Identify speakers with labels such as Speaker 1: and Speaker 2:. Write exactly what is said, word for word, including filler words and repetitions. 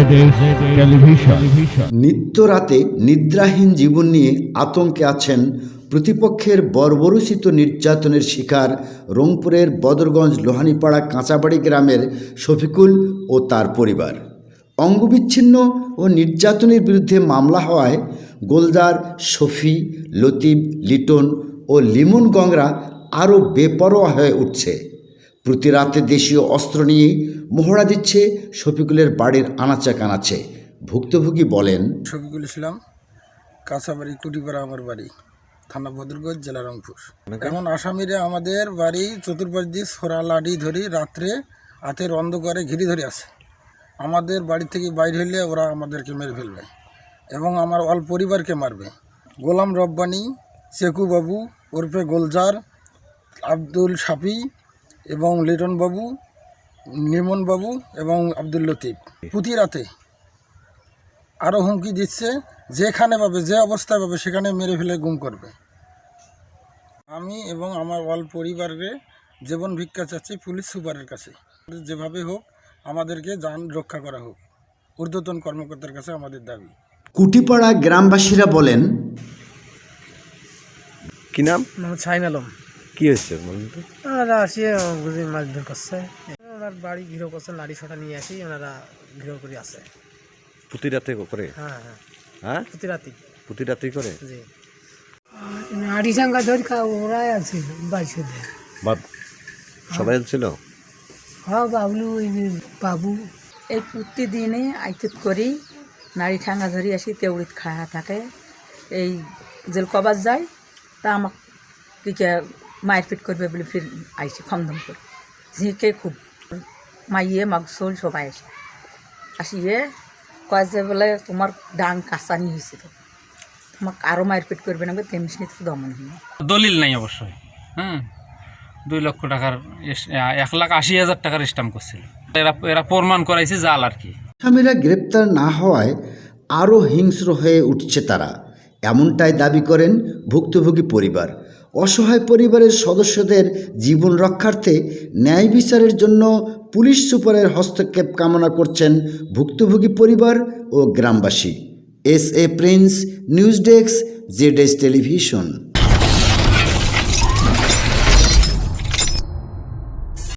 Speaker 1: নিত্য রাতে নিদ্রাহীন জীবন নিয়ে আতঙ্কে আছেন প্রতিপক্ষের বর্বরোচিত নির্যাতনের শিকার রংপুরের বদরগঞ্জ লোহানীপাড়া কাঁচাবাড়ি গ্রামের শফিকুল ও তার পরিবার। অঙ্গবিচ্ছিন্ন ও নির্যাতনের বিরুদ্ধে মামলা হওয়ায় গোলদার, শফি, লতিফ, লিটন ও লিমন গংরা আরও বেপরোয়া হয়ে উঠছে। প্রতি রাতে দেশীয় অস্ত্র নিয়ে মহড়া দিচ্ছে শফিকুলের বাড়ির আনাচে কানাচে। ভুক্তভোগী বলেন,
Speaker 2: শফিকুল ইসলাম, কাঁচাবাড়ি কুটিপাড়া আমার বাড়ি, থানা বদরগঞ্জ, জেলা রংপুর। এখন আসামিরা আমাদের বাড়ি চতুর্পাশ দিয়ে ছোড়া লাঠি ধরি রাত্রে হাতের অন্ধকারে ঘিরে ধরে আছে। আমাদের বাড়ি থেকে বাইরে হলে ওরা আমাদেরকে মেরে ফেলবে এবং আমার অল পরিবারকে মারবে। গোলাম রব্বানি, চেকু বাবু ওরফে গোলজার, আব্দুল শাফি এবং লিটন বাবু, নিমন বাবু এবং আব্দুল লতিফ প্রতি রাতে আরও হুমকি দিচ্ছে, যেখানে পাবে, যে অবস্থায় পাবে সেখানে মেরে ফেলে গুম করবে। আমি এবং আমার অল পরিবারকে জীবন ভিক্ষা চাচ্ছি পুলিশ সুপারের কাছে, যেভাবে হোক আমাদেরকে জান রক্ষা করা হোক। ঊর্ধ্বতন কর্মকর্তার কাছে আমাদের দাবি।
Speaker 1: কুটিপাড়া গ্রামবাসীরা বলেন,
Speaker 3: কি নাম?
Speaker 4: শাহিন আলম।
Speaker 3: কি হয়েছে?
Speaker 4: ওনারা আসিয়ে বুঝি মারধর করছে, ওনার বাড়ি ঘিরো করছে, লাঠি ছটা নিয়ে আসি ওনারা ঘিরো করে আছে।
Speaker 3: প্রতি রাতে করে?
Speaker 4: হ্যাঁ হ্যাঁ
Speaker 3: হ্যাঁ
Speaker 4: প্রতি রাতে
Speaker 3: প্রতি রাতেই করে?
Speaker 4: জি।
Speaker 5: আড়ি চাঙ্গা ধরি খা ওরাই আছে বাইশে
Speaker 3: বাদ সবাই ছিল।
Speaker 5: হ্যাঁ বাবলু বাবু
Speaker 6: এই প্রতিদিনে আইতুত করি নারী ঠাঙ্গা ধরি আসি তেউড়িত খায়া থাকে। এই জেল কবার যায় তা আমাক কিকে মারপিট করবে বলে ফির আইসি খমদম করে ঝিঁকে খুব মাইয়ে মাগসল সবাই আসে আসিয়ে কয় যে বলে তোমার ডাং কাঁচানি হয়েছিল, তোমাকে আরও মারপিট করবে না, তেমনি তো দমন হয়নি।
Speaker 7: দলিল নাই অবশ্যই। হ্যাঁ, দুই লক্ষ টাকার এক লাখ আশি হাজার টাকার স্ট্যাম্প করছিল। এরা এরা প্রমাণ করাইছে জাল আর কি।
Speaker 1: আসামিরা গ্রেপ্তার না হওয়ায় আরও হিংস্র হয়ে উঠছে তারা, এমনটাই দাবি করেন ভুক্তভোগী পরিবার। অসহায় পরিবারের সদস্যদের জীবন রক্ষার্থে ন্যায় বিচারের জন্য পুলিশ সুপারের হস্তক্ষেপ কামনা করছেন ভুক্তভোগী পরিবার ও গ্রামবাসী। S A Prince, news desk, Z S television.